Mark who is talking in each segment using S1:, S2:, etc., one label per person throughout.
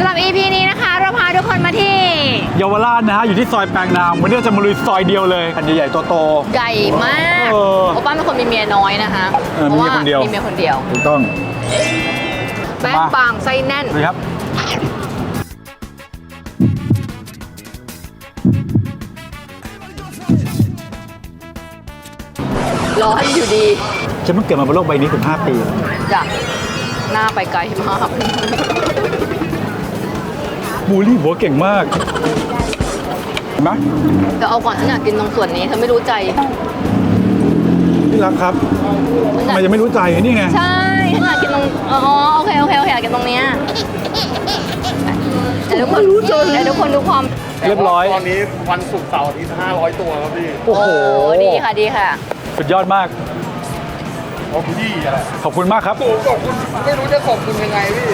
S1: ำหรับ EP นี้นะคะเราพาทุกคนมาที่
S2: เยาวราชนะฮะอยู่ที่ซอยแปลงนามวันนี้เราจะมาลุยซอยเดียวเลยอันใหญ่ๆโตๆ
S1: ใหญ่มากโอป้าเป็นคนมีเมียน้อยนะคะ
S2: เพราะว่ามีเมียคนเดียวถูกต้อง
S1: แป้งบางไส้แน่น
S2: ครับ
S1: ร้อนอยู่ดี
S2: ฉันเพิ่งเกิดมาบนโลกใบนี้ถึง5 ปี
S1: จ้ะหน้าไปไกลมาก
S2: บูลลี่หัวเก่งมากเห็นไหม
S1: แต่เอาก่อนฉันอยากกินตรงส่วนนี้เธอไม่รู้ใจ
S2: ที่รักครับทำไมจะไม่รู้ใจนี่ไง
S1: ใช่ฉันอยากกินตรงอ๋อโอเคอยากกินตรงเนี้ยแต่ทุกคนรู้ใจแต่ทุกคนดูความ
S2: เรียบร้อย
S3: ตอนนี้วันศุกร์เสาร์อาทิตย์500 ตัวครับพี่
S2: โอ้โห
S1: ดีค่ะ
S2: สุดยอดมาก
S3: ขอบคุณพี่อะไร
S2: ขอบคุณมากครับ
S3: ขอบคุณไม่รู้จะขอบคุณยังไงพี่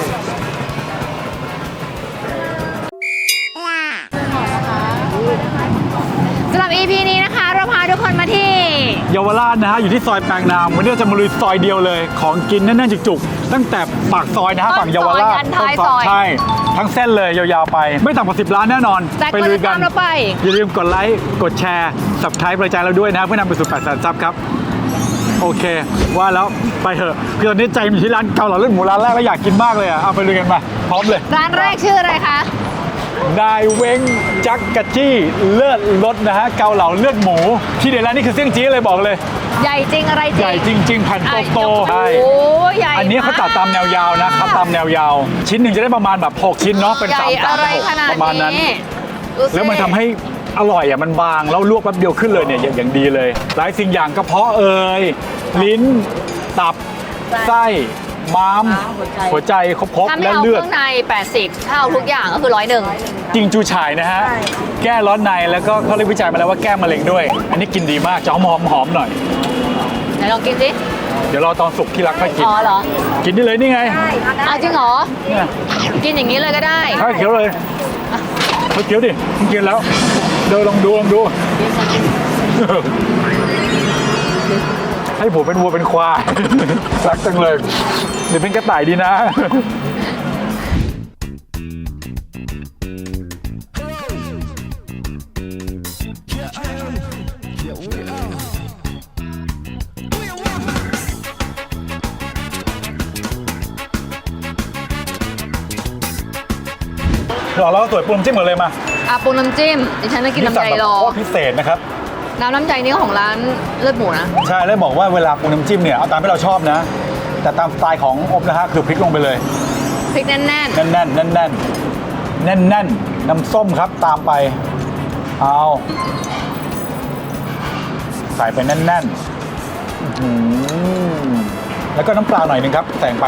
S1: สำหรับ EP นี้นะคะเราพาทุกคนมาที่
S2: เยาวราชนะฮะอยู่ที่ซอยแปลงนามวันนี้เราจะมาลุยซอยเดียวเลยของกินแน่นๆจุกๆตั้งแต่ปากซอยนะฮะฝั่งเยาวราช
S1: ใ
S2: ช่ทั้งเส้นเลยยาวๆไปไม่ต่ำกว่า10 ล้านแน่นอน
S1: ไปลุยกัน
S2: อย่าลืมกดไลค์กดแชร์ Subscribe กระจายเราด้วยนะเพื่อนำไปสู่800,000 ซับครับโอเคว่าแล้วไปเถอะคือตอนนี้ใจอยู่ที่ร้านเกาเหลาเลือดหมูร้านแรกแล้วอยากกินมากเลยอ่ะเอาไปลุยกันมาพร้อมเลย
S1: ร้านแรกชื่ออะไรคะ
S2: นายเว้งจักกะจี้เลือดรสนะฮะเกาเหลาเลือดหมูที่เด็ดร้านนี้คือเสี่ยงจี้เลยบอกเลย
S1: ใหญ่จริงอะไรจริง
S2: ใหญ่จริงๆแผ่นโตๆใช่อันนี้เขาตัดตามแนวยาวนะครับตามแนวยาวชิ้นหนึ่งจะได้ประมาณแบบ6 ชิ้นเนาะเป็น3 ประมาณนั้นแล้วมันทำให้อร่อยอ่ะมันบางแล้วลวกแป๊บเดียวขึ้นเลยเนี่ยอย่างดีเลยหลายสิ่งอย่างกระเพาะลิ้นตับไส้ม้ามหัวใจครบและเลือด
S1: ข้างใน80ถ้าเอาทุกอย่างก็คือ101
S2: จริงจูฉ่ายนะฮะแก้ร้อนในแล้วก็เขาเรียกวิจัยมาแล้วว่าแก้มะเร็งด้วยอันนี้กินดีมากจะหอมหน่อย
S1: ไหนลองกินสิ
S2: เดี๋ยวรอตอนสุกที่รักค่อยกิน
S1: อ๋อเหรอ
S2: กินได้เลยนี่ไง
S1: เอาจริงเหรอกินอย่างนี้เลยก็ได้
S2: ข้าวเขียวเลยข้าวเขียวดิกินแล้วเดี๋ยวลองดูให้ผมเป็นวัวเป็นควายรักจังเลยเดี๋ยวเป็นกระต่ายดีนะเราสวยปรุงจิ้มหมดเลยมา
S1: ปรุงน้ำจิ้มดิฉันจะกินน้ำใจรอ
S2: พิเศษนะครับ
S1: น้ำใจนี้ของร้านเลือดหมูนะ
S2: ใช่แล้วบอกว่าเวลาปรุงน้ำจิ้มเนี่ยเอาตามที่เราชอบนะแต่ตามสไตล์ของอบนะฮะคือพริกลงไปเลย
S1: พริกแน่น
S2: น้ำส้มครับตามไปเอาใส่ไปแน่นแล้วก็น้ำปลาหน่อยนึงครับแต่งไป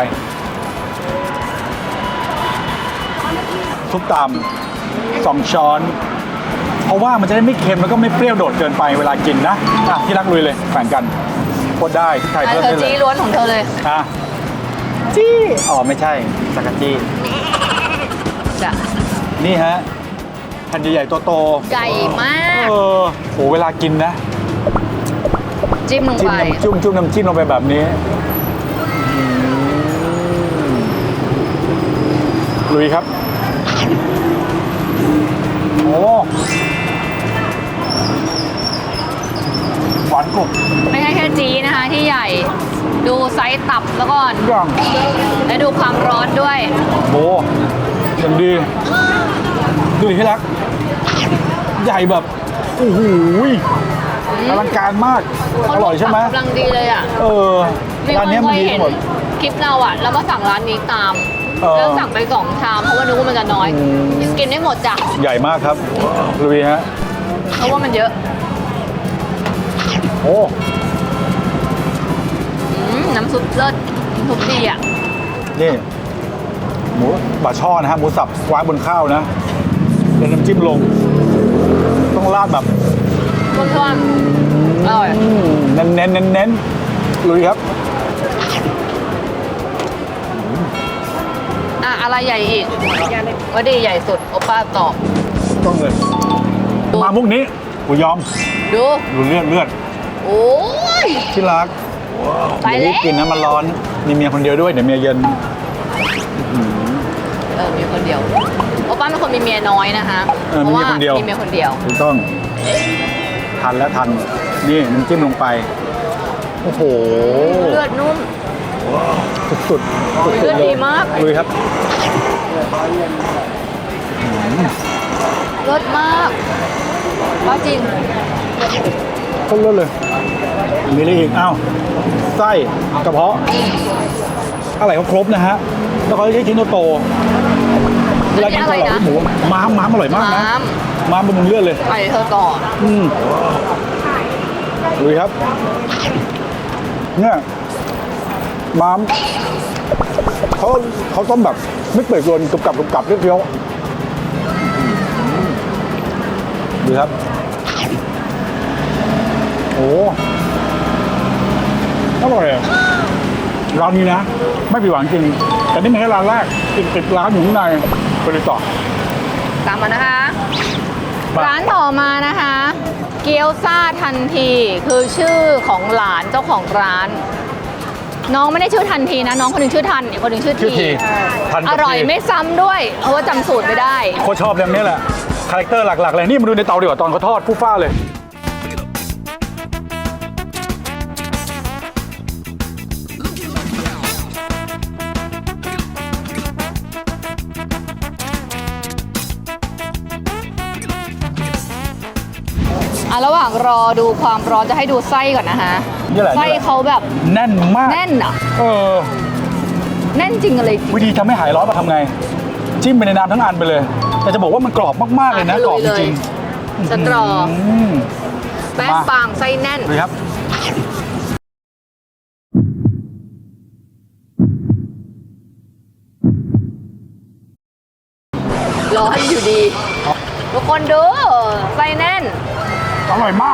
S2: ซุปตาม2 ช้อนเพราะว่ามันจะได้ไม่เค็มแล้วก็ไม่เปรี้ยวโดดเกินไปเวลากินนะที่รักลุยเลยแข่งกันโคตรได้ไทยเพิ่มได้เลย
S1: จี้ล้วนของเธอเลย
S2: จี้อ๋อไม่ใช่จักรจี้
S1: จ้ะ
S2: นี่ฮะแผ่นใหญ่ๆโต
S1: ๆใหญ่มาก
S2: โหเวลากินนะ
S1: จิ้มลงไป
S2: จุ่มน้ำจิ้มลงไปแบบนี้ลุยครับโอ้หวานกรุบ
S1: ไม่ใช่แค่จีนะคะที่ใหญ่ดูไซส์ตับแล้วก่อนและดูความร้อนด้วย
S2: โอ้อย่างดีดูที่รักใหญ่แบบโอ้โหอลังการมากอร่อยใช่ไหม
S1: กำลังดีเลยอ่ะ
S2: ร้านนี้มันดีหมด
S1: คลิปเราอ่ะแล้วก็สั่งร้านนี้ตามแล้วสั่งไป2 ชามเพราะว่านึกว่ามันจะน้อยกินได้หมดจ้ะ
S2: ใหญ่มากครับลุยฮะ
S1: เพราะว่ามันเยอะ
S2: โอ้
S1: น้ำซุปเลิศน้ำซุปดีอ่ะ
S2: นี่หมูบะช่อนะฮะหมูสับวางบนข้าวนะแล้วน้ำจิ้มลงต้องราดแบบ
S1: ร้อนๆอร่อย
S2: เน้นลุยครับ
S1: อะไรใหญ่อีกว่าดีใหญ่สุดโอป้าตอบ
S2: ต้องเลยมามุกนี้กูยอมดูเลือด
S1: โอ้ย
S2: ที่รักไปแล้วกินนะมันร้อนมีเมียคนเดียวด้วยเดี๋ยวเมียเย็น
S1: มีคนเดียวโอป้าเป็นคนมีเมียน้อยนะคะ
S2: มีเมียคนเดียว
S1: มีเมียคนเดียว
S2: ถูกต้องทันแล้วทันนี่น้ำจิ้มลงไปโอ้โห
S1: เลือดนุ่ม
S2: สุดๆ
S1: เลือดดีมาก
S2: ลุยครับ
S1: เลือดมากป้าจริง
S2: ต้นเลือดเลยมีอะไรอีกอ้าวไส้กระเพาะอะไรเขาครบนะฮะแล้วเขาใช้ชิ้นโตๆเวลากินกับหมูม้ามอร่อยมากนะม้ามบำรุงเลือดเลย
S1: ไปเธอก่อน
S2: ลุยครับเนี่ยม้ามเขาต้มแบบไม่เปื่อยโดนกรุบเคี้ยวดูครับโอ้อร่อยอ่ะร้านนี้นะไม่ผิดหวังจริงแต่นี่ไม่ใช่ร้านแรกอีก10ร้านอยู่ข้างในไปเลยต่อ
S1: ตามมานะคะ
S2: มา
S1: ร้านต่อมานะคะ เกี๊ยวซ่าทันทีคือชื่อของหลานเจ้าของร้าน น้องไม่ได้ชื่อทันทีนะ น้องคนหนึงชื่อทันอีกคนหนึงชื่อ
S2: ชื่อที
S1: ที
S2: ทัน
S1: อ
S2: กับ
S1: ร่อย
S2: ที
S1: ไม่ซ้ำด้วย เพราะว่าจำสูตรไม่ได้
S2: โคตรชอบเรื่องนี้แหละคาแรคเตอร์หลักๆเลยนี่มาดูในเตาดีกว่าตอนเขาทอดฟู่ฟ้าเลย
S1: ระหว่างรอดูความร้อนจะให้ดูไส้ก่อนนะคะ
S2: นี่แหละ
S1: ไส้เขาแบบ
S2: แน่นมาก
S1: แน่นอ่ะ แน่นจริงอะไรจริง
S2: วิธีทำให้หายร้อนมาทำไง จิ้มไปในน้ำทั้งอันไปเลย แต่จะบอกว่ามันกรอบมากๆเลยนะ
S1: อ่ะ
S2: กรอบจ
S1: ลุยเลย
S2: ริง
S1: สตรอ
S2: ม
S1: แป้ง
S2: มา
S1: บางไส้แน่น
S2: ดูครับ
S1: ร้อนอยู่ดี ทุกคนดูไส้แน่น
S2: อร่อยมาก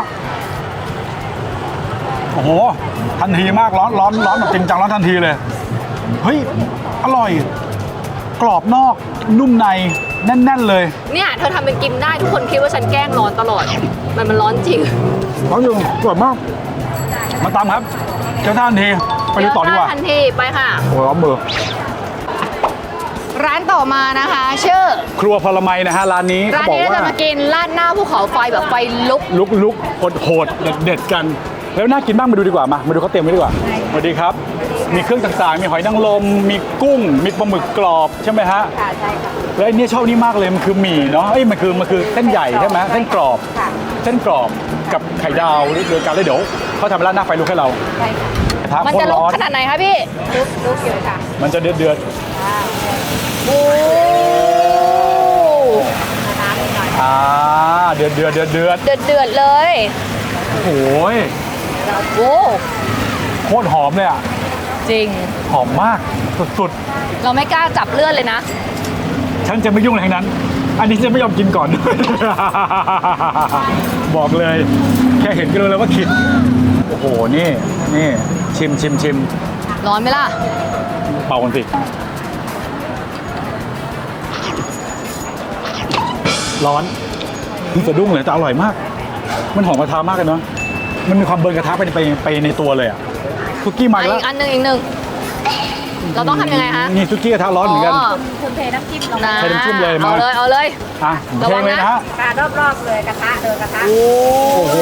S2: โอ้โห ทันทีมากร้อนแบบจริงจังร้อนทันทีเลย เฮ้ย อร่อย กรอบนอก นุ่มใน แน่น ๆ เลย
S1: เนี่ยเธอทำเป็นกินได้ทุกคนคิดว่าฉันแกล้งร้อนตลอด มันร้อนจริง
S2: ร้อนอยู่กรอบมาก มาตามครับเจ้าท่านที ไปดูต่อดีกว่า
S1: เยวทันทีไปค่ะ
S2: โอ้ยร้อนมือ
S1: ร้านต่อมานะคะ ชื่อ
S2: ครัวพลไมนะฮะร้านนี้
S1: ร้าน
S2: เขาบอก
S1: นี้เรา
S2: ว่า
S1: จะมากินราดหน้าภูเขาไฟแบบไฟลุก
S2: ลุกโหดเด็ดกัน แล้วน่ากินบ้างมาดูดีกว่ามาดูเขาเตรียมไว้ดีกว่าสวัสดีครับ มีเครื่องต่างๆ มีหอยนางรมมีกุ้ง มีปลาหมึกกรอบใช่ไหมฮะ
S1: ค่ะใช่ค่ะ
S2: แล้วอันนี้ชอบนี่มากเลยมันคือหมี่เนาะมันคือเส้นใหญ่ใช่ไหมเส้นกรอบ
S1: ค่ะ
S2: เส้นกรอบกับไข่ดาวโดยการเลยเดี๋ยวเขาทำร้านหน้าไฟลุกให้เรา
S1: ใช่ค่ะ
S2: กระทะ
S1: มัน
S2: โคต
S1: จะ
S2: ร
S1: ลุก
S2: ร้อน
S1: ขนาดไหนคะพี่ลุกอยู่ค่ะ
S2: มันจะเดือด
S1: โอ้
S2: เดือด
S1: เดือดเลย
S2: โอ้ย
S1: โอ้
S2: โคตรหอมเลยอ่ะ
S1: จริง
S2: หอมมากสุด
S1: เราไม่กล้าจับเลือดเลยนะ
S2: ๆฉันจะไม่ยุ่งอะไรทั้งนั้น อันนี้จะไม่ยอมกินก่อน บอกเลย แค่เห็นก็รู้แล้วว่าขิดโอ้โหนี่ชิม
S1: ร้อนไหมล่ะ
S2: เป่ากันสิร้อนนี่สะดุ้งเลยแต่อร่อยมาก มันหอมกระทะมากเลยเนาะมันมีความเบิร์นกระทะไปในตัวเลยอะซุกี้มา
S1: อี
S2: แล้ว
S1: กอันหนึ่งเราต้องทำยังไงคะ
S2: นี่ซุกี้กระทะร้อนเหมือนกัน
S4: คุณเทน้ำจิ้มลง
S1: นะ
S2: ใช้น้ำจิ้มเลยมา
S1: เอาเลย
S2: อ่ะ
S1: ระ
S2: เท
S1: วัง
S2: เลย
S1: นะ
S2: นะฮะ
S4: ปลารอบๆเลยกระทะกระทะ
S2: โอ้โห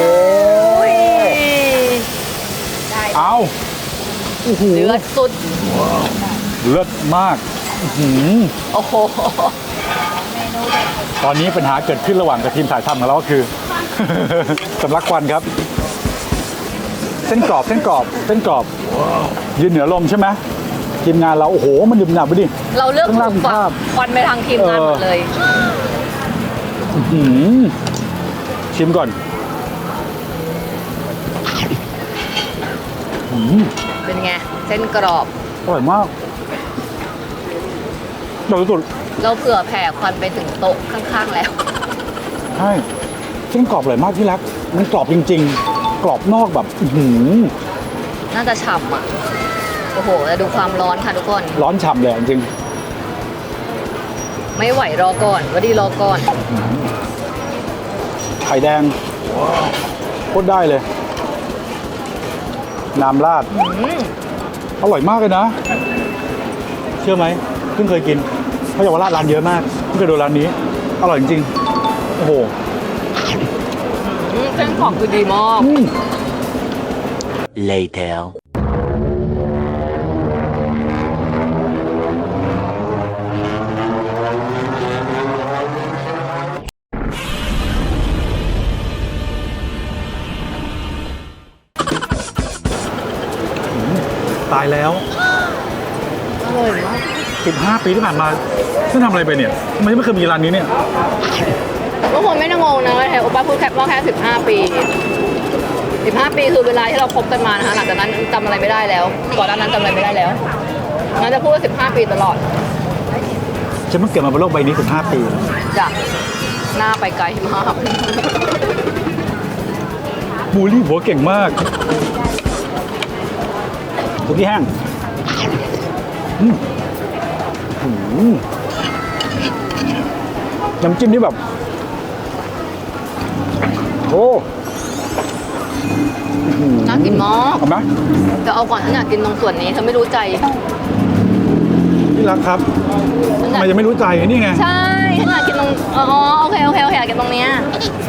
S4: ได้
S2: เอาโอ้โห
S1: เดือดสุด
S2: เลิศมากอื้อหือ
S1: โอ้โห
S2: ตอนนี้ปัญหาเกิดขึ้นระหว่างกับทีมถ่ายทำของเราก็คือ สำลักควันครับ เส้นกรอบยืนเหนือลมใช่ไหมทีมงานเราโอ้โหมันดื่มหนับไปดิ
S1: เราเลือก
S2: ข้างล่าง
S1: ถูกฝั
S2: ภาพ
S1: กควันไปทางทีมงานหมดเลย
S2: ชิมก่อน
S1: เป็นไง เส้นกรอบ
S2: อร่อยมากอร่อยสุด
S1: เราเผื่อแผ่ควันไปถึงโต๊ะข้างๆแล้ว
S2: ใช่เส้นกรอบอร่อยมากที่รัก มันกรอบจริงๆ กรอบนอกแบบอื้อหือ
S1: น่าจะฉ่ำอ่ะ โอ้โหแล้วดูความร้อนค่ะทุกคน
S2: ร้อนฉ่ำเลยจริง
S1: ไม่ไหวรอก่อนก็ดีรอก่อน
S2: ไข่แดงโคตรได้เลย น้ำราด อร่อยมากเลยนะ เชื่อไหมเพิ่งเคยกินเพราะเยาวราชร้านเยอะมากเพิ่งเคยดูร้านนี้อร่อยจริงๆโอ้โห
S1: เส้นของคือดีมาก
S5: Later.
S2: ตายแล้ว
S1: อร่อยมาก
S2: 15 ปีที่ผ่านมาฉันทำอะไรไปเนี่ยทำไมไม่เคยมีร้านนี้เนี่ย
S1: ทุกคนไม่ต้องงงนะว่าโอป้าพูดแค่ว่าแค่15 ปี 15 ปีคือเวลาที่เราคบกันมานะคะหลังจากนั้นจำอะไรไม่ได้แล้วก่อนหน้านั้นจำอะไรไม่ได้แล้วงั้นจะพูดว่า15 ปีตลอด
S2: ฉันเพิ่งเกิดมาบนโลกใบนี้15 ปี
S1: จ้ะหน้าไปไกลมาก
S2: บูลลี่หัวเก่งมากสุกี้แห้งน้ำจิ้มนี่แบบโอ้
S1: น่ากินมาก
S2: เอาไหม
S1: จะเอาก่อนฉันอยากกินตรงส่วนนี้เธอไม่รู้ใจ
S2: ที่รักครับ
S1: ฉันอ
S2: ทำ
S1: ยาก
S2: ไมยังไม่รู้ใจนี่ไง
S1: ใช่ฉันอยากกินตรงอ๋อโอเคอยากกินตรงเนี้ย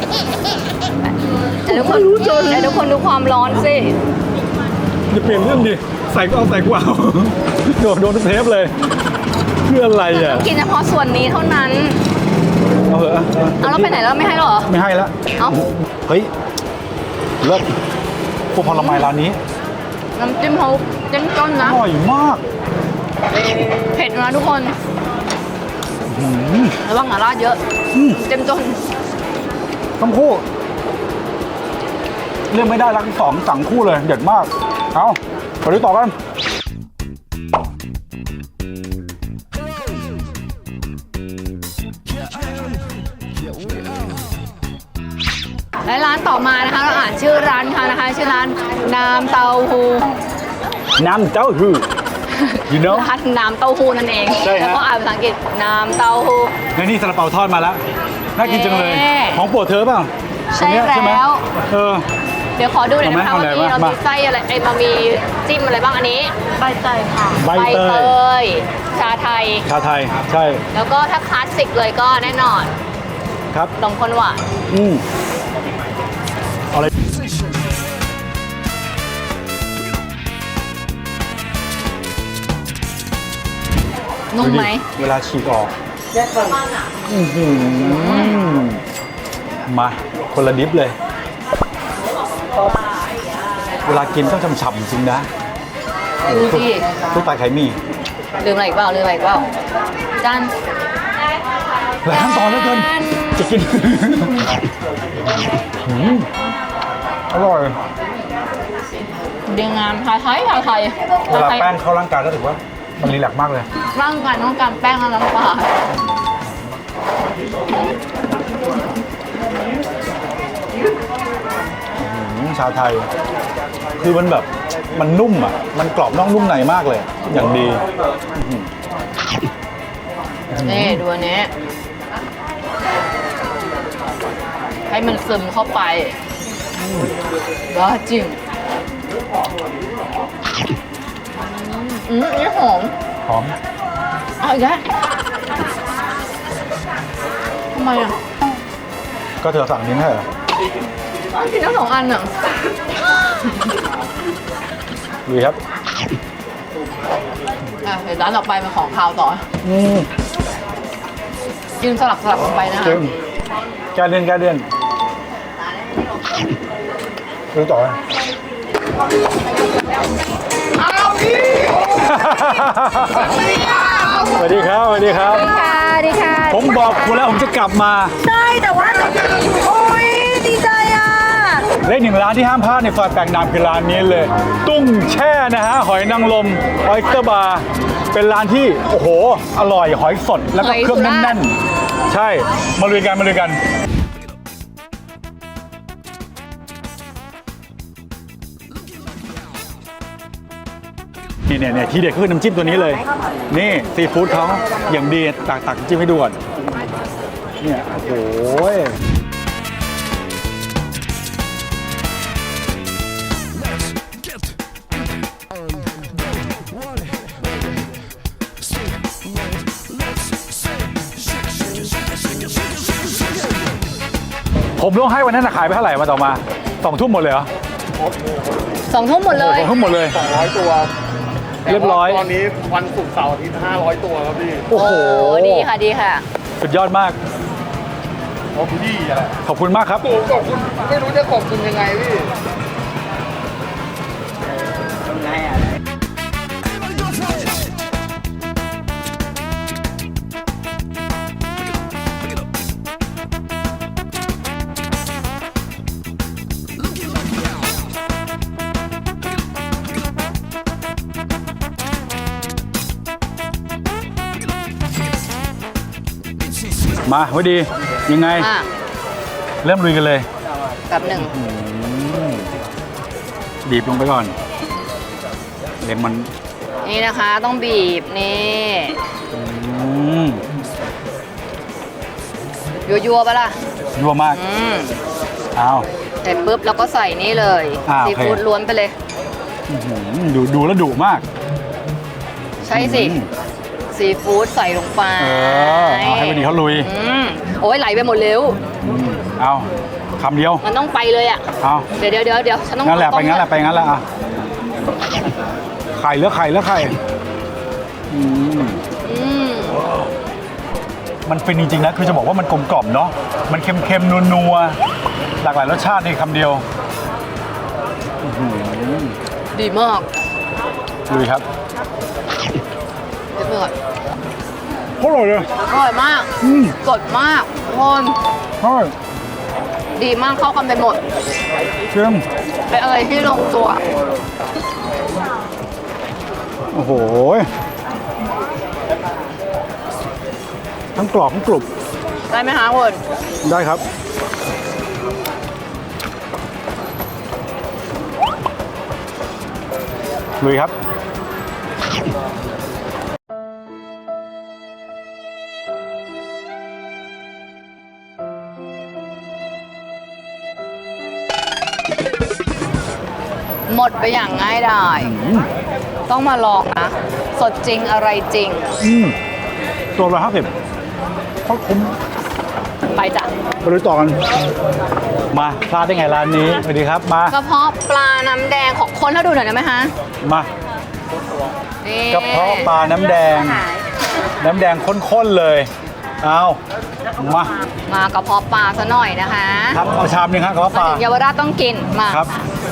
S1: แต่ทุกคนดูความร้อนสิ
S2: จะเปลี่ยนเรื่องดิใส่ก็เอาใส่กูเอา โดนทุกเทปเลยเพื่ออะไรอ่ะ
S1: กินเฉพาะส่วนนี้เท่านั้น
S2: เอาเหอะ
S1: เอาแล้วไปไหนแล้วไม่ให้หรอ
S2: ไม่ให้แล้ว
S1: เอ้า
S2: เฮ้ยเลิศพวกผลไม้ร้านนี้
S1: น้ำจิ้มเขาเจ้มจ้น
S2: อ
S1: นะ
S2: ร่อยมาก
S1: เผ็ดนะทุกคนระวังหม่าล่าเยอะเจ้มจ้น
S2: ต้องคู่เรื่องไม่ได้รักสองสั่งคู่เลยเด็ดมากเอาไปดูต่อกัน
S1: และร้านต่อมานะคะเราอ่านชื่อร้านค่ะนะคะชื่อร้านน้ำเต้าหู้
S2: น้ำเต้าหู้ you know
S1: ร้านน้ำเต้าหู้นั่นเอง
S2: ใช่ฮะ
S1: แล้วก็อ่านภาษาอังกฤษน้ำเต้าหู้
S2: และนี่ซาลาเปาทอดมาแล้วน่ากินจังเลย
S1: เย้
S2: ของโปรดเธอเปล่า
S1: ใช่
S2: อันเนี้ยไหม
S1: แล้ว
S2: เออ
S1: เดี๋ยวขอดูหน่อยนะคะ
S2: เอา
S1: ว่า
S2: ไหน
S1: มี
S2: วะ
S1: เรา
S2: มา
S1: มีไส้อะไรไอ้มามีจิ้มอะไรบ้างอันนี้ใบเตยค่ะ
S2: ใบเตย
S1: ยชาไทย
S2: ชาไทยใช่
S1: แล้วก็ถ้าคลาสสิกเลยก็แน่นอน
S2: ครับ
S1: นมข้นหวาน
S2: เอาอะไร
S1: นุ่มไหม
S2: เวลาฉีกออกอื้อหือมาคนละดิฟเลย เวลากินต้องฉ่ำๆจริงนะ
S1: ดูสิ
S2: ทุกตายไข่มี
S1: ลืมอะไรอีกเปล่าจาน
S2: หลายขั้นตอนเหลือเกินจะกินอร่อย
S1: ดีงามไทย
S2: เวลาแป้งเข้าร่างกายก็ถือว่ามันรีแลกซ์มากเลย
S1: ร่างกายต้องการแป้งและน้ำปลา
S2: ชาไทย คือมันแบบมันนุ่มอ่ะ มันกรอบนอกนุ่มในมากเลย อย่างดี
S1: นี่ดูอันนี้ให้มันซึมเข้าไปว้าจริงนี่หอม
S2: หอม
S1: เอาอีกแล้วทำไมอ่ะ
S2: ก็เธอสั่งนี้ให้เหรอ
S1: กินทั้ง2 อันอ่ะ
S2: ดีครับ
S1: เดี๋ยวร้านต่อไปเป็นของคาวต่อ กินสลับลงไปนะคะ
S2: จริงแกเดือนดูต่อเลยสวัสดีครับ
S1: สวัสดีค่ะ
S2: ผมบอกคุณแล้วผมจะกลับมา
S4: ใช่แต่ว่าโอ้ยดีใจอ่ะ
S2: และอีกหนึ่งร้านที่ห้ามพลาดในซอยแปลงนามคือร้านนี้เลย ตุ้งแช่นะฮะ หอยนางรมออยสเตอร์บาร์เป็นร้านที่ โอ้โห อร่อยหอยสดแล้วก็เครื่องแน่นๆ ใช่ มาลุยกัน เนี่ยที่เด็ดคือน้ำจิ้มตัวนี้เลย นี่ซีฟู้ดเขาอย่างดีตักจิ้มให้ดูก่อนเนี่ยโอ้โหผมต้องให้วันนั้นขายไปเท่าไหร่มาต่อมา2 ทุ่มหมดเลยเหรอ
S1: 2 ทุ่มหมดเลย
S2: 2 ทุ่มหมดเลย
S3: 200 ตัว
S2: เรียบร้อย
S3: แต่ว่าตอนนี้วันศุกร์เสาร์อาทิตย์500 ตัวครับพี่
S2: โอ้โห
S1: ดีค่ะดีค่ะ
S2: สุดยอดมาก
S3: โอ้พี่อะไร
S2: ขอบคุณมากครับ
S3: โอ้ขอบคุณไม่รู้จะขอบคุณยังไงพี่
S2: มาไว้ดียังไง
S1: อ่ะ
S2: เริ่มลุยกันเลย
S1: แบบหนึ่ง
S2: บีบลงไปก่อนเล็มมัน
S1: นี่นะคะต้องบีบนี่
S2: อืม
S1: ยัวๆปะล่ะ
S2: ยั่วมาก
S1: อืม
S2: อ้าว
S1: เสร็จปุ๊บเราก็ใส่นี่เลย
S2: อ่า
S1: ซี
S2: โอเค
S1: ฟู้ดล้วนไปเลย
S2: อื้อหือดูแล้วดุมาก
S1: ใช่สิ
S2: อืม
S1: ซีฟู้ดใส่ลงไป
S2: เอาให้วันดีเขาลุย
S1: อืมโอ้ยไหลไปหมดเร็ว
S2: เอาคำเดียว
S1: มันต้องไปเลยอ่ะ
S2: เอา
S1: เดี๋ยวฉันต้อง
S2: งั้นแหละ
S1: ต้
S2: ไป
S1: ม
S2: งั้นแหละไปงั้นแหละอ่ะไข่เหลือไข่เหลือไข่อืม
S1: อืม
S2: มันเป็นจริงๆนะคือจะบอกว่ามันกลมกล่อมเนาะมันเค็มๆนัวๆหลากหลายรสชาติในคำเดียวอื้อหือ
S1: ดีมาก
S2: ลุยครับ
S1: เดี๋ยวเปิด
S2: โคตรอร่อยเลย
S1: อร่อยมาก
S2: อืม
S1: สดมากทุกคน
S2: อร่อย
S1: ดีมากเข้ากันไปหมด
S2: เชื่อม
S1: เป็นอะไรที่ลงตัว
S2: โอ้โหทั้งกรอบทั้งกรุบ
S1: ได้ไหมคะคุณ
S2: ได้ครับ ลุยครับ
S1: หมดไปอย่างง่ายดาย ต้องมาลองนะ สดจริงอะไรจริง
S2: ตัวละ50โคตรคุ้ม
S1: ไปจ้ะ
S2: ไปลุยต่อกัน มาพลาดได้ไงร้านนี้ สวัสดีครับ มาก
S1: ระเพาะปลาน้ำแดงของคนให้ดูหน่อยได้ไหมคะ
S2: มา
S1: นี่
S2: กระเพาะปลาน้ำแดง น้ำแดงข้นๆเลย เอามา
S1: มากระเพาะปลาซะหน่อยนะคะ
S2: ครับเอาชามหนึงครับกระเพาะป
S1: มา
S2: ลา
S1: ถึงเยาวราชต้องกินมา
S2: ครับ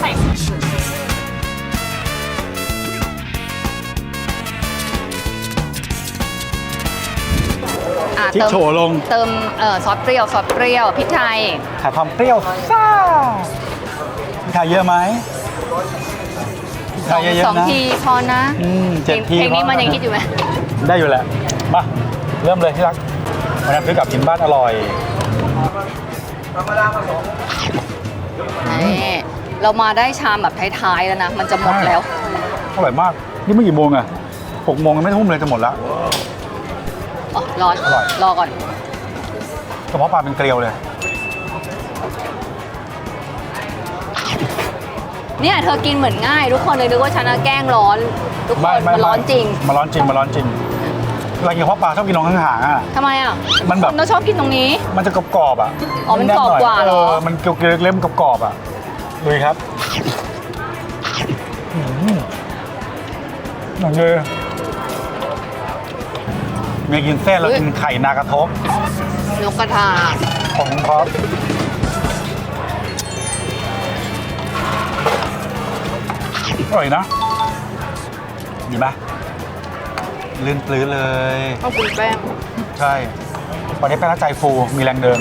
S1: อ่ะ
S2: พริกโฉลง
S1: เติมซอสเปรี้ยวพริกไทย
S2: หาความเปรี้ยวซ่าพริกไทยเยอะไหมพริกไทยเยอะ
S1: สอง
S2: ๆนะ
S1: ทีพอนะ
S2: 7 ที
S1: เพลงนี้
S2: พอ
S1: มันยังคิดอยู่ไหม
S2: ได้อยู่แหละ มา เริ่มเลยที่รักวันนั้นซื้อกลับกินบ้านอร่อย
S1: นี่เรามาได้ชามแบบท้ายๆแล้วนะ มันจะหมดแล้ว
S2: อร่อยมาก นี่ไม่กี่โมงอะ6 โมงยังไม่ทุ่มเลยจะหมดแล้ว
S1: อ๋อร้อน
S2: อร่อย
S1: รอก่อน
S2: กระเพาะปลาเป็นเกลียวเลย
S1: เนี่ยเธอกินเหมือนง่าย ทุกคนเลยนึกว่าฉันแกล้งร้อน ทุกคนมันร้อนจริง
S2: มันร้อนจริง มันร้อนจริงเวลากินกระเพาะปลาชอบกินตรงห่างๆอะ
S1: ทำไมอ่ะ
S2: มันแบบ
S1: เราชอบกินตรงนี้
S2: มันจะกรอบๆอะ
S1: อ๋อมันกรอบกว่าเหรอ
S2: มันเกลียวๆเล่มกรอบๆอะดูดิครับหนังเลยเมียกินเส้นแล้วกินไข่นากระทบ
S1: นกกระทา
S2: ของครับอร่อยนะ ดีไหมลื่นปลื้นเลย
S1: ต้องกินแป้ง
S2: ใช่ วันนี้แป้งและใจฟู มีแรงเดิน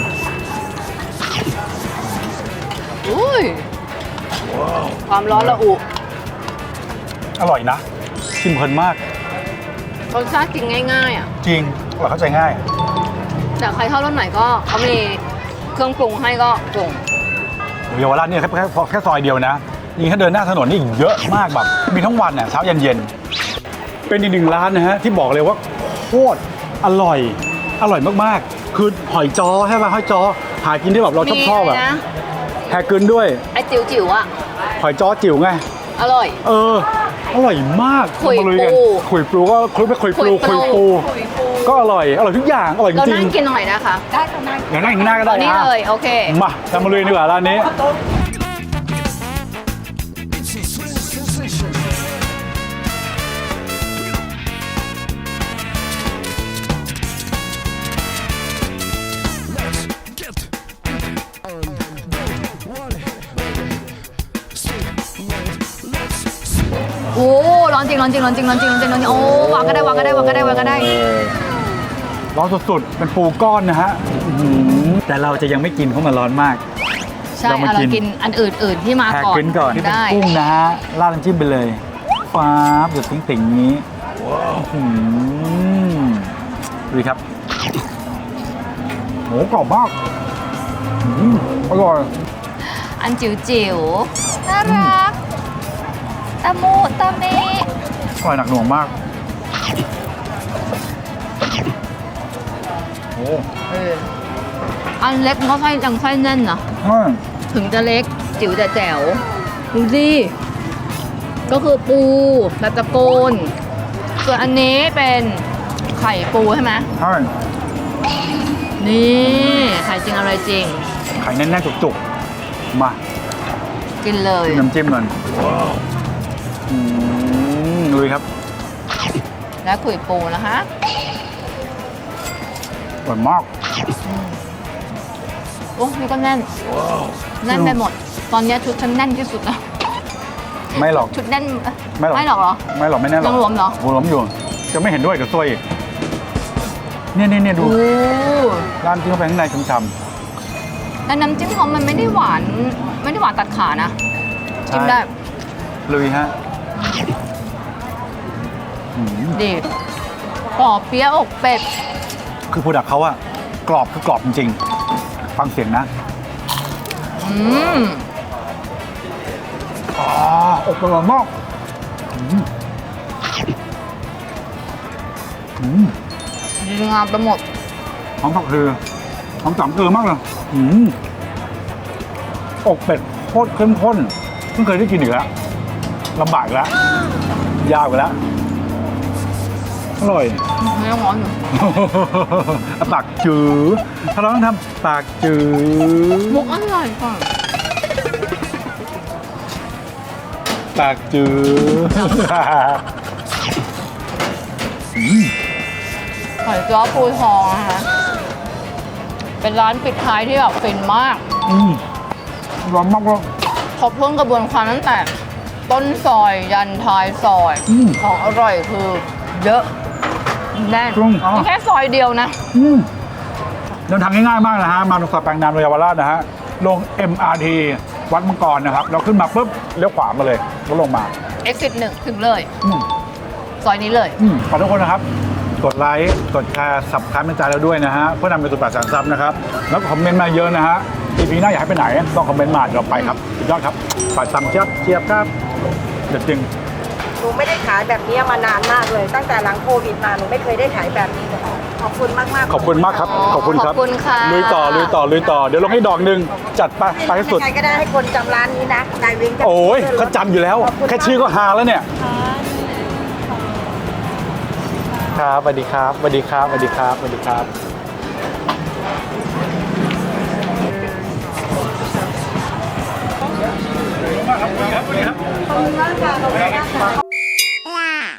S1: อุ้ยความร้อนระอุ
S2: อร่อยนะชิมเพลินมาก
S1: รสชาติกินง่ายๆอ่ะ
S2: จริงอร่อยเข้าใจง่าย
S1: แต่ใครชอบรสไหนก็เขามีเครื่องปรุงให้ก็ปรุง
S2: เยาวราชเนี่ยแค่ซอยเดียวนะยิ่งถ้าเดินหน้าถนนนี่เยอะมากแบบ มีทั้งวันเนี่ยเช้าเย็นๆเป็นอีกหนึ่งร้านนะฮะที่บอกเลยว่าโคตรอร่อยมากๆ คือหอยจ้อใช่ป่ะหอยจ้อหากินที่แบบเราชอบ
S1: มี
S2: อะ
S1: นะ
S2: แฮกึนด้วย
S1: ไอ้จิ๋วๆอ่ะ
S2: หอยจ้อจิ๋วไง
S1: อร่อย
S2: อร่อยมาก
S1: ขุย
S2: มาลุกัน
S1: ปู
S2: ขุยปูก็คลุกไปขุยปู
S1: ขุยปู
S2: ก็อร่อยทุกอย่างอร่อยจ
S1: เรา
S2: ริ
S1: นั่
S2: ง
S1: งกินหน่อยนะคะ
S4: ได้ค่ะนาย
S2: ๆอย่างนั่งข้างหน้าก็ได้
S1: ตอนนี้
S2: นะ
S1: เลยโอเค
S2: มาทำมาลุยดีกว่าร้านนี้
S1: โอ้ร้อนจริงโอ้วางก็ได้
S2: ร้อนสุดๆ เป็นปูก้อนนะฮะอื้อหือแต่เราจะยังไม่กินเพราะมันร้อนมาก
S1: ใช่
S2: เรามา
S1: เรา
S2: กิน
S1: กินอันอื่นๆที่มา
S2: แขก
S1: ก่อน
S2: ขึ้นก่อนที่เป็น
S1: ได้
S2: กุ้งนะฮะราดน้ำจิ้มไปเลยฟ้าบหยดติ่งๆนี้อื้อหือดูดิครับโหกรอบมากอื้ออร่อย
S1: อันจิ๋วๆน่ารักตะมูตะเม
S2: อร่อยหนักหน่วงมากโอ้
S1: อันเล็กมันก็ไส้จังไส้แน่นนะ
S2: ใช่
S1: ถึงจะเล็กจิ๋วแต่แจ๋วดูสิก็คือปูแบบตะโกนส่วนอันนี้เป็นไข่ปูใช่ไหม
S2: ใช่
S1: นี่ไข่จริงอะไรจริง
S2: ไข่แน่นๆจุกๆมา
S1: กินเลย
S2: น้ำจิ้มก่อนลุยครับ
S1: และขุยปูนะคะ
S2: อร่อยมาก
S1: โอ้นี่ก็แน่นแน่นไปหมด ตอนนี้ชุดฉันแน่นที่สุดแล้ว
S2: ไม่หรอก
S1: ชุดแน่น
S2: ไม่หรอก
S1: หรอ
S2: ไม่หรอกไม่แน่หรอก
S1: ยังหลวมเหรอ
S2: โหหลวมอยู่ จะไม่เห็นด้วยกับซวยอีกเนี่ยดู
S1: โอ้
S2: ร้านที่เข้าไปข้างในช้ำ
S1: แล้วน้ำจิ้มเขามันไม่ได้หวานตัดขานะ
S2: ๆ
S1: จิ้มได้
S2: ลุยฮะอืม
S1: ดีกรอบเปี๊ยะอกเป็ด
S2: คือโปรดักต์เขาอะกรอบคือกรอบจริงๆฟังเสียงนะ
S1: อืม
S2: อกอร่อยมาก
S1: ดีงามไปหมด
S2: หอมผักคือหอมสามเกลือมากเลยอกเป็ดโคตรเข้มข้นเพิ่งเคยได้กินอีกแล้วลำบากอีกแล้วยาวอีกแล้วอร่อย
S1: ไม่ต้องร้อนอยู่
S2: ปากจืดถ้าเราต้องทำปากจืด
S1: มุกอร่อยก่อน
S2: ปากจืด
S1: หอยจ้อปูทองนะคะ เป็นร้านปิดท้ายที่แบบฟินมาก
S2: ร้อนมากเลย
S1: ครบถ้วนกระบวนความตั้งแต่ต้นซอยยันท้ายซอย ของอร่อยคือเยอะแน่นนี่แค่ซอยเดียวนะ
S2: เดินทางง่ายๆมากนะฮะ มาตรงซอยแปลงนามเยาวราชนะฮะ ลง MRT วัดมังกรนะครับ เราขึ้นมาปุ๊บเลี้ยวขวามาเลยแล้วลงมา
S1: exit 1 ถึงเลย ซอยนี้เลย
S2: ขอทุกคนนะครับ กดไลค์ กดแชร์สับสไครป์เป็นใจเราด้วยนะฮะ เพื่อนำไปสู่800,000 ซับนะครับ แล้วก็คอมเมนต์มาเยอะนะฮะ EP หน้าอยากให้ไปไหนต้องคอมเมนต์มาเดี๋ยวเราไปครับสุดยอดครับฝากตามเชียบครับเด็ดจริง
S4: หนูไม่ได้ขายแบบนี้มานานมากเลย ตั้งแต่หลังโควิดมาหนูไม่เคยได้ขายแบบนี้เลยขอบคุณมากๆ
S2: ขอบคุณมากครับ ขอบคุณครับ
S1: ขอบคุณค่ะ
S2: ลุยต่อ เดี๋ยวลงให้ดอกหนึ่งจัดไปให้สุด
S4: ใครก็ได้ให้คนจำร้านนี้นะนายวิงจะ
S2: โอ้ยเขาจำอยู่แล้ว แค่ชื่อก็ฮาแล้วเนี่ย ครับสวัสดีครับสวัสดีครับสวัสดีครับสวัสดีครับ
S4: ขอบคุณมากค่ะขอบคุณมากค่ะ